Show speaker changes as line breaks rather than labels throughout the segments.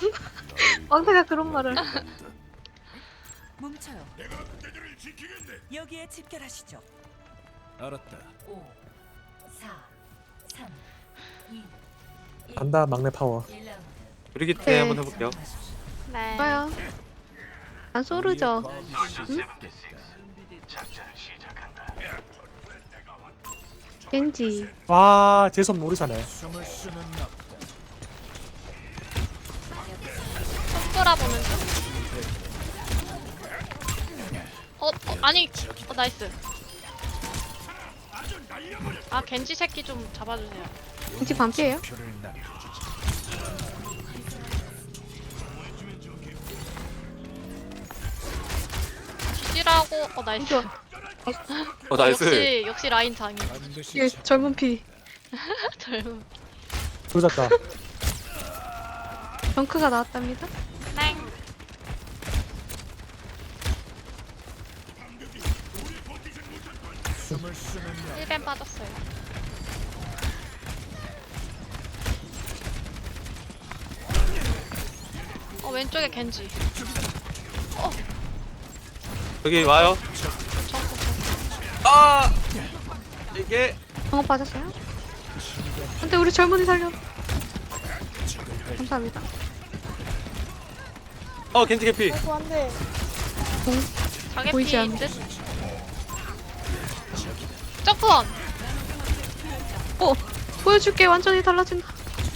왕태가 그런 말을.
뭉쳐요. 여기에 집결하시죠.
알았다.
5, 4, 3, 2,
간다 막내 파워.
1라운드.
브리기테
네.
한번 해볼게요.
네.
좋아요. 안 소르죠. 겐지.
와 재선 모르사네.
숨을 쉬는 나.
손보라 보는 중. 아니. 나이스. 아 겐지 새끼 좀 잡아주세요.
겐지 반피예요?
표를 남겨주지.
지지라고. 나이스.
나이스.
역시 라인 장인.
반드시
이게
잡-
젊은 피.
젊은.
조졌다.
덩크가 나왔답니다.
땡.
숨을 쉬는 나.
1벤 빠졌어요. 왼쪽에 겐지.
여기 와요.
정크.
아 이게
방어 빠졌어요? 근데 우리 젊은이 살려. 감사합니다.
겐지 개피.
자개
보이지
피
않는.
듯. 점프원.
보여줄게. 완전히 달라진다.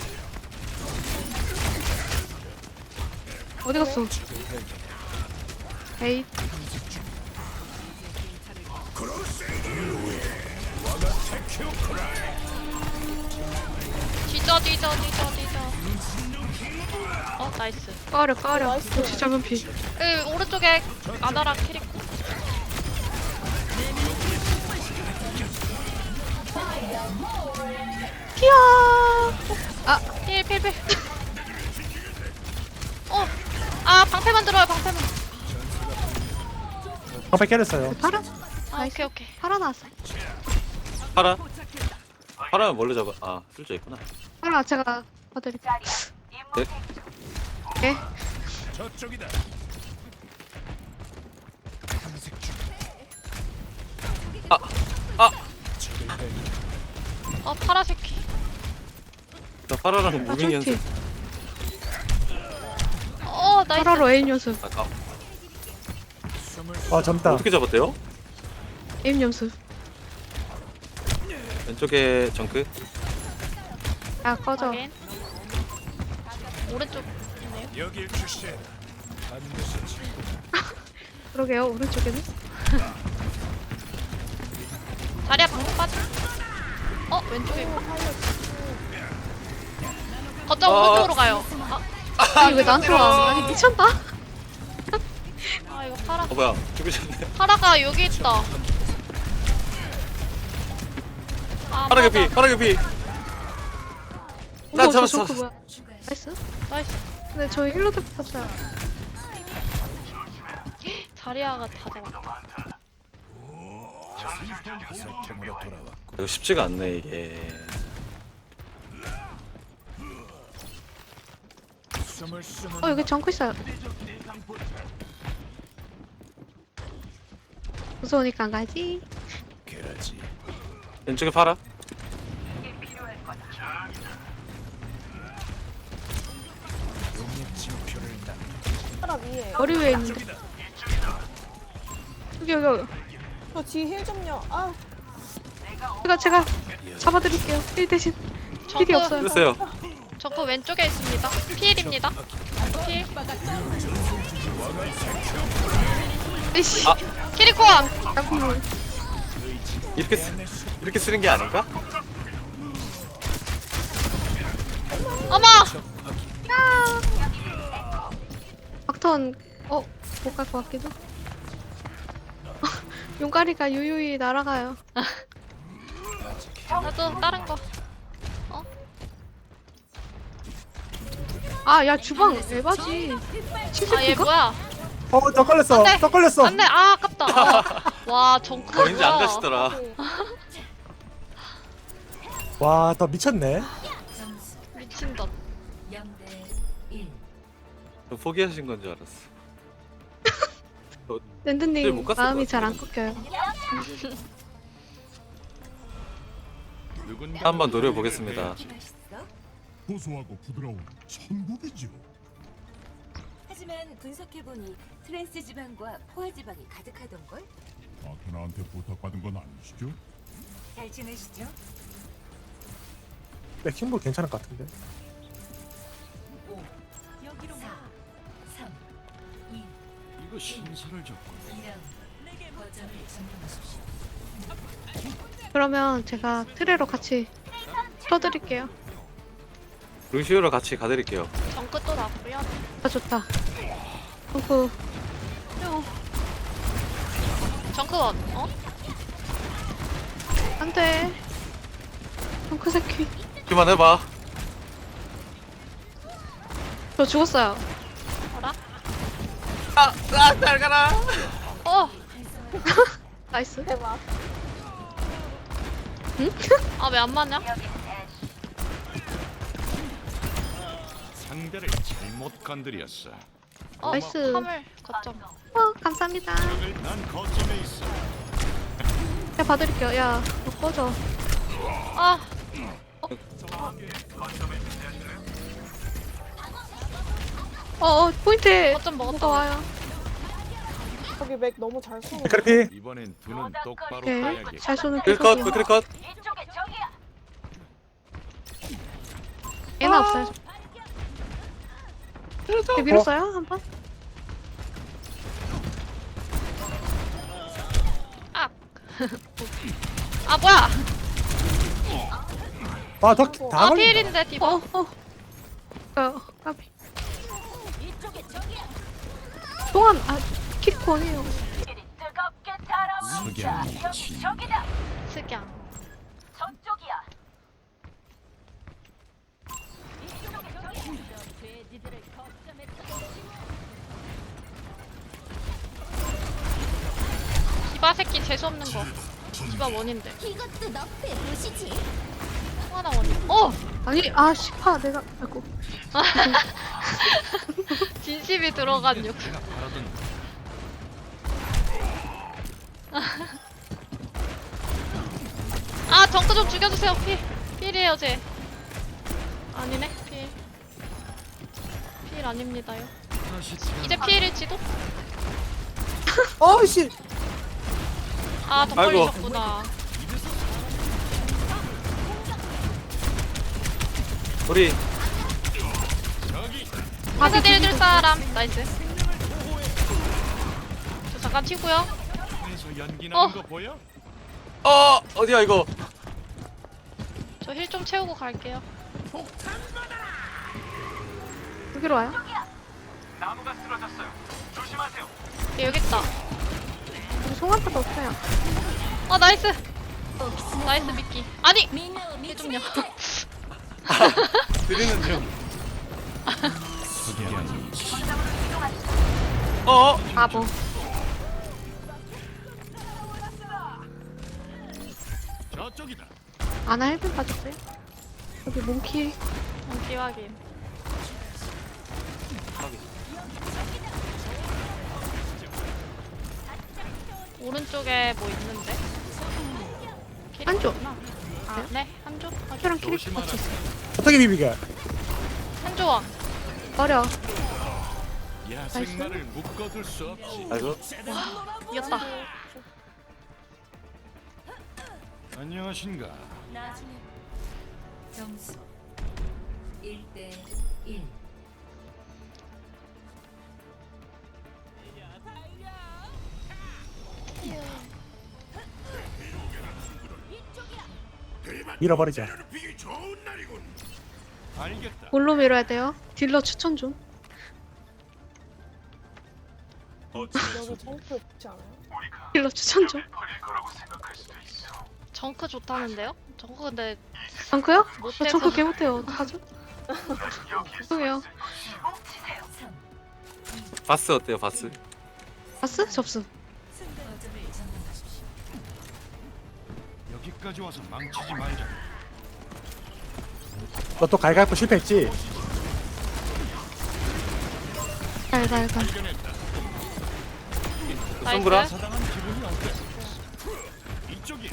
어디 갔어? 에이.
뒤져. 나이스.
까려. 역시 젊은 피.
오른쪽에 아나라 캐릭터.
피야.
필. 방패만 들어요, 방패만.
방패 깨졌어요.
파라?
오케이.
파라 나왔어요.
파라는 뭘로 잡아? 쓸져 있구나.
파라 제가 봐드릴게요.
네.
네.
저쪽이다. 탐색 중. 적을 배.
파라 새끼.
나 파라랑 무빙 연습.
나이스.
파라로 에임 연습.
숨을
점다.
어떻게 잡았대요?
에임 연습.
왼쪽에 정크.
야 꺼져.
확인. 오른쪽 있네요.
여길 주시해. 반드시 지-
그러게요. 오른쪽에는.
자리야 방금 빠져. 왼쪽에 있고. 거점 오른쪽으로 가요.
아니 왜 나한테 와? 아니 미쳤나?
이거 파라.
뭐야? 죽으셨네.
파라가 여기 있다.
파라 개피. 파라 개피. 나
어머, 저
잡았어.
조크 뭐야? 나이스.
나이스.
근데 저희 힐러도 없어요.
자리야가 다 잡았다.
살템으로 돌아왔고.
이거 쉽지가 않네 이게.
숨을 쉬는
여기 정크 있어요. 무서우니까 안 가지.
게라지.
왼쪽에 파라.
용의 징표를 남겨.
머리 위에 있는데. 여기.
저 뒤에 힐 좀요. 아,
제가 잡아드릴게요. 1 대신. 힐이 없어요.
됐어요.
저거 왼쪽에 있습니다. 필입니다. 필.
에이씨.
키리코원.
잠깐만.
이렇게 쓰는 게 아닌가?
어머.
막턴 못 갈 것 같기도. 용가리가 유유히 날아가요.
나도 다른 거.
야 주방 에바지.
얘
치즈피가?
뭐야?
더 걸렸어.
안 돼.
더 걸렸어.
안돼. 아깝다. 와 정크.
왠지 안 가시더라.
와 더 미쳤네.
미친다.
0대 1.
포기하신 건 줄 알았어. 네,
랜드님
못 갔을
마음이
것
잘 안 꺾여요.
누군가
한번 노려보겠습니다.
고소하고 부드러운 천국이죠.
하지만 분석해보니 트랜스 지방과 포화 지방이 가득하던걸?
아테나한테 부탁받은 건 아니시죠?
잘 지내시죠?
맥킹볼 괜찮을 것 같은데.
5, 여기로 4, 3, 2,
이거 신세를 졌고
2라운드. 내게 거점을 점령하십시오.
그러면 제가 트레로 같이 쳐드릴게요.
루시오랑 같이 가드릴게요.
정크 또 나쁘야.
아 좋다. 덩크.
정크 원. 어?
안돼. 덩크 새끼.
그만해봐.
저 죽었어요.
어라?
잘 가라.
어.
나이스.
대박.
아 왜 안 맞냐?
상대를 잘못 건드렸어.
어.
나이스.
화물 거점.
감사합니다.
난 거점에 있어.
제가 봐드릴게요. 야, 너 꺼져.
아.
포인트.
거점 먹었다.
뭐가 와요.
거기 맥 너무 잘 쏘는.
맥크리피.
이번엔 두 눈 똑바로
오케이.
떠야겠다.
잘 쏘는
크리컷,
계속이요.
크리컷.
얘는 없어요. 네, 밀었어요? 한 번?
아. 아 뭐야?
아, 다
아
걸린다.
필인데 디버.
까비. 동안, 킥권이에요.
석양이 진.
특양. 디바 새끼 재수 없는 거. 디바 원인데.
이것도 너프에 보시지.
하나 원인. 어.
아니, 시파, 내가, 아이고.
진심이 들어간 욕.
내가 바라던
아 정크 좀 죽여주세요. 필이에요 쟤. 아니네 필. 필 아닙니다요.
다시
이제 필일지도?
아이씨.
아 더
아이고.
걸리셨구나.
우리
파스 딜줄 사람. 나이스. 저 잠깐 튀고요.
에서 연기
어.
나는 거 보여?
어디야 이거?
저 힐 좀 채우고 갈게요.
여기로 와요?
얘 여기 있다.
여기 송환파도 없어요.
나이스. 나이스 미끼. 아니. 힐 좀요.
드리는 중.
석양이 진.
바보.
저쪽이다.
아나 헬멧 빠졌어요? 여기 몽키.
기확인. 오른쪽에 뭐 있는데?
한쪽.
네, 한조.
저랑 캐릭터
조심하라.
같이 있어요.
어떻게 비비게?
한조원.
어려.
야생마를 묶어둘 수 없지.
아이고.
이겼다.
안녕하신가.
나중에 점수 1대 1.
밀어버리자.
알겠다.
뭘로 밀어야 돼요? 딜러 추천 좀.
여기 정크 좋지 않아요?
딜러 추천 좀.
정크 좋다는데요? 정크 근데
정크요? 저
못해서.
정크 개 못해요. 어떡하죠? 죄송해요.
바스 어때요 바스?
바스? 접수.
거점을 점령하십시오.
여기까지 와서 망치지 말자.
너 또 갈갈고 실패했지?
달달달.
발견했다.
손브라.
사당한 기분이 어때? 이쪽이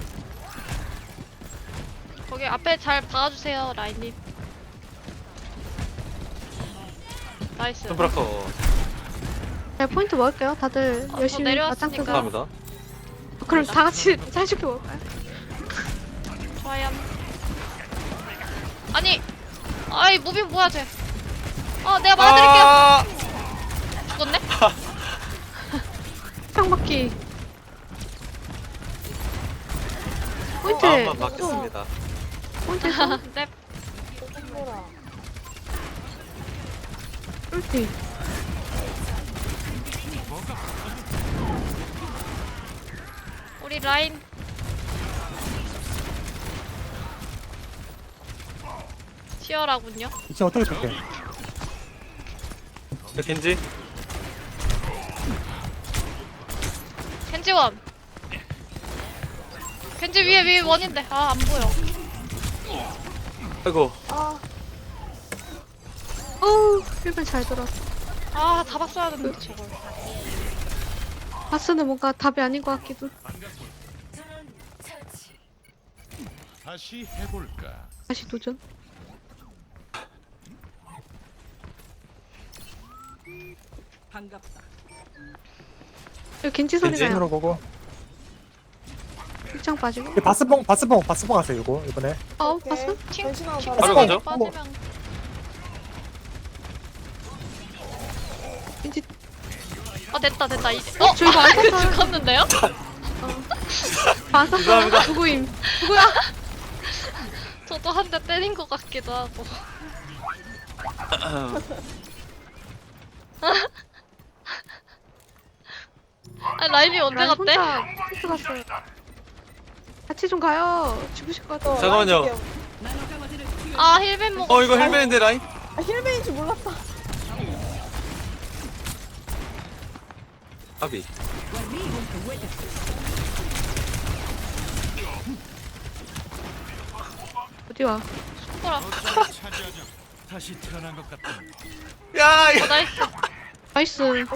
거기 앞에 잘 박아주세요, 라인님. 나이스.
손브라커
네, 포인트 먹을게요. 다들 열심히
내려왔으니까.
맞짱 뜨고.
감사합니다.
그럼 다 같이 사이좋게 먹을까요?
좋아요. 아니, 아이 무빙 뭐야 쟤? 내가 막아드릴게요. 죽었네?
평바퀴. 포인트.
마음만 받겠습니다.
포인트.
네.
손보라.
쫄티.
우리 라인 치열하군요.
이제 어떻게 줄게?
겐지
겐지원. 겐지 위에 원인데 안 보여.
아이고
아,
어우, 1번 잘 들었어.
다 봤어야 했는데 저걸.
바스는 뭔가 답이 아닌 것 같기도.
다시 해볼까?
다시 도전. 여기 겐지 소리가
겐지?
힘으로 보고.
입장 빠지고.
이 바스봉 하세요 이거 이번에.
바스?
팅
변신하고
팅
바로
바로 가죠?
빠지면
겐지.
됐다 이제.
저 이거 안 썼어요.
죽었는데요?
바스 누구임? 누구야?
저도 한 대 때린 것 같기도 하고. 라임이 언제
난
갔대?
혼자 키스 갔어요. 같이 좀 가요. 죽으실 것 같아.
잠깐만요.
힐벤 먹어.
이거 헬멧인데 라인?
힐베인 줄 몰랐다.
아비
어디와?
뭐라?
거점을 차지하자. 다시 태어난 것 같다.
야 이거
나이스.
나이스.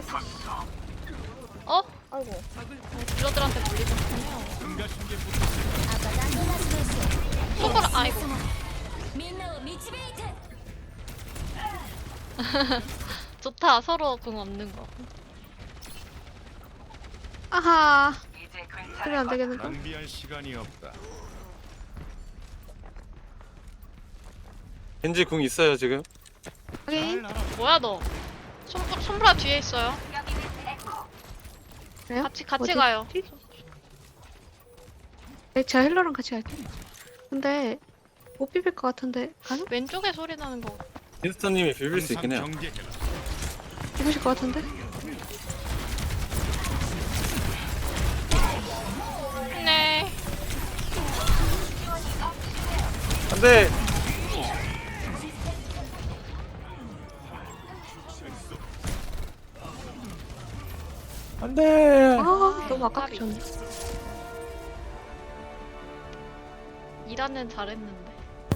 아이고.
딜러들한테 물리셨군요.
응가신게
손가락 아이고. 좋다. 서로 궁 없는 거.
아하. 그러면 안 되겠는데.
낭비할 시간이 없다.
겐지 궁 있어요 지금?
확인.
잘 알아.
뭐야 너? 손브라 뒤에 있어요.
그래요?
같이
어디?
가요.
네, 제가 힐러랑 같이 갈게요. 근데 못 비빌 것 같은데 가능?
왼쪽에 소리 나는 거.
윈스턴님이 비빌 수 있긴 해요.
항상 경계해라.
비비실 것 같은데?
네.
안돼.
안돼.
너무 아깝게 졌네.
이라는 잘했는데.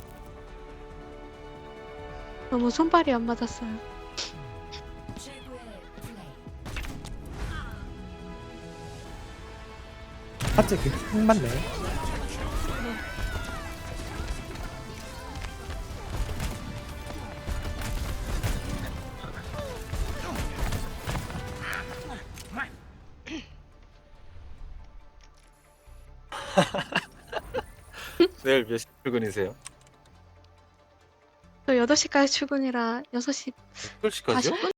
너무 손발이 안 맞았어요.
갑자기 흑 맞네.
내일 몇 시 출근이세요?
저 8시까지 출근이라 6시
8시까지요?
40분?